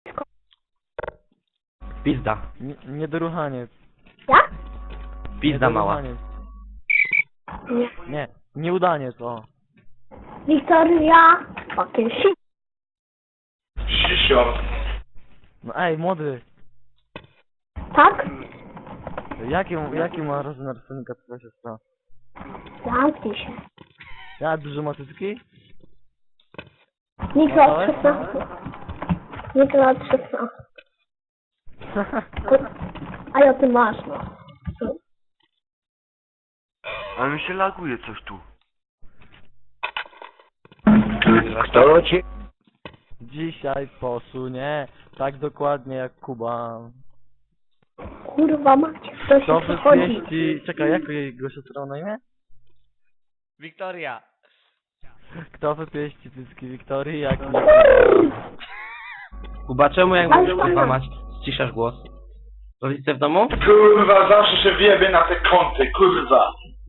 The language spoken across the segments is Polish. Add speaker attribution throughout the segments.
Speaker 1: Pizda.
Speaker 2: Niedoruchaniec.
Speaker 3: Jak?
Speaker 1: Pizda mała.
Speaker 3: Nie.
Speaker 2: Nie, nieudaniec, o.
Speaker 3: Wiktoria. Fucking shit.
Speaker 4: Sisior.
Speaker 2: No ej, młody.
Speaker 3: Tak?
Speaker 2: Jaki ma rozmiar synka twoja siostra?
Speaker 3: Zamknij się.
Speaker 2: Ja duże ma cycki?
Speaker 3: Nikt lat 16. Nikt lat 16. A ja ty masz, no.
Speaker 4: Ale mi się laguje coś tu.
Speaker 1: Kto cię?
Speaker 2: Dzisiaj posunie tak dokładnie jak Kuba.
Speaker 3: Kurwa macie, kto się
Speaker 2: To
Speaker 3: przychodzi.
Speaker 2: wypieści... Czekaj, jak jego siostra ma na imię?
Speaker 5: Wiktoria.
Speaker 2: Kto wypieści cycki Wiktorii, jak nie...
Speaker 1: Kuba, czemu jak mówisz kurwa mać, ściszasz głos? Rodzice w domu?
Speaker 4: Kurwa, zawsze się wiebie na te kąty, kurwa.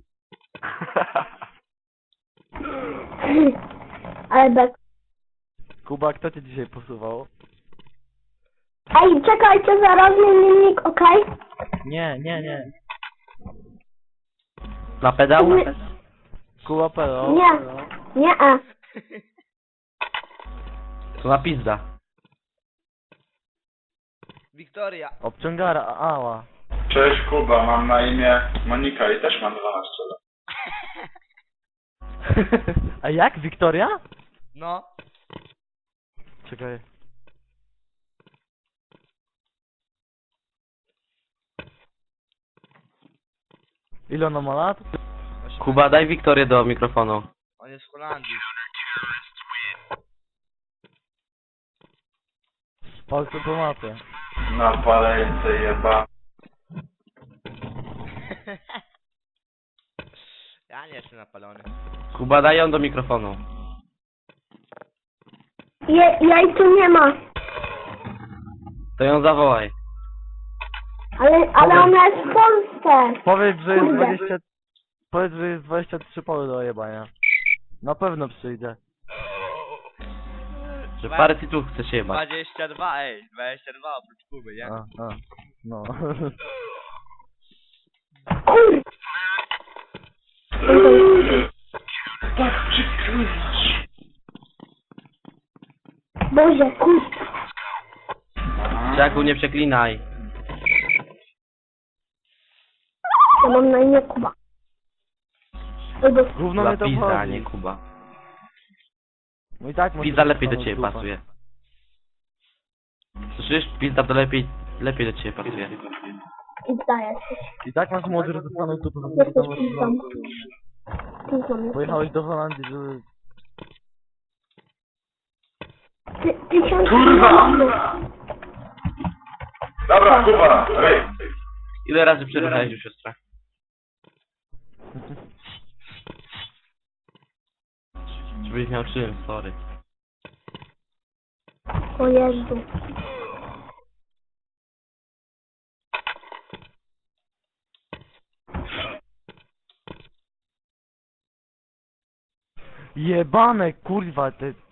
Speaker 3: Ale bez...
Speaker 2: Kuba, kto cię dzisiaj posuwał?
Speaker 3: Ej, czekajcie, zaraz zmiennik, okej?
Speaker 2: Nie.
Speaker 1: Na pedał?
Speaker 2: Kuba Pero.
Speaker 3: Nie,
Speaker 1: To na pizda.
Speaker 5: Wiktoria.
Speaker 2: Obciągara, ała.
Speaker 4: Cześć Kuba, mam na imię Monika i też mam 12 lat.
Speaker 2: A jak? Wiktoria?
Speaker 5: No.
Speaker 2: Czekaj. Ile ona ma lat?
Speaker 1: Kuba, daj Wiktorię do mikrofonu.
Speaker 5: On jest w Holandii.
Speaker 2: Palce po mapie.
Speaker 4: Na palejce jeba.
Speaker 5: Ja nie jestem napalony.
Speaker 1: Kuba, daj ją do mikrofonu.
Speaker 3: jej tu nie ma.
Speaker 1: To ją zawołaj.
Speaker 3: Ale ona jest w Polsce.
Speaker 2: Powiedz, że jest
Speaker 3: Kurde.
Speaker 2: 20... Powiedz, że jest 23 poły do jebania. Na pewno przyjdzie.
Speaker 1: Że parę tytułów chce się jebać.
Speaker 5: 22, ej. 22 oprócz Kuby, nie?
Speaker 2: No.
Speaker 3: Kur...
Speaker 4: Tak przykrywasz.
Speaker 3: Boże, kur...
Speaker 1: Czaku, nie przeklinaj.
Speaker 3: Ja mam na imię Kuba. Albo...
Speaker 2: Gówno
Speaker 1: Kuba
Speaker 2: mnie to
Speaker 1: pizda, a
Speaker 2: wchodzi.
Speaker 1: nie Kuba.
Speaker 2: No i tak masz
Speaker 1: Pizda lepiej do
Speaker 2: samą
Speaker 1: ciebie
Speaker 2: dupę.
Speaker 1: pasuje. Słyszysz? Pizda to lepiej do ciebie pasuje.
Speaker 3: Pizda jesteś.
Speaker 2: I tak masz młody rozestaną dupę.
Speaker 3: Jesteś pizdą. Pizdą jesteś.
Speaker 2: Pojechałeś do Holandii, żeby...
Speaker 3: Tysiąc...
Speaker 4: Kurwa! Dobra, Kuba, ej.
Speaker 1: Ile razy przeruchałeś już siostrę? Żebyś miał czym, sorry.
Speaker 3: O Jezu.
Speaker 2: Jebane, kurwa, te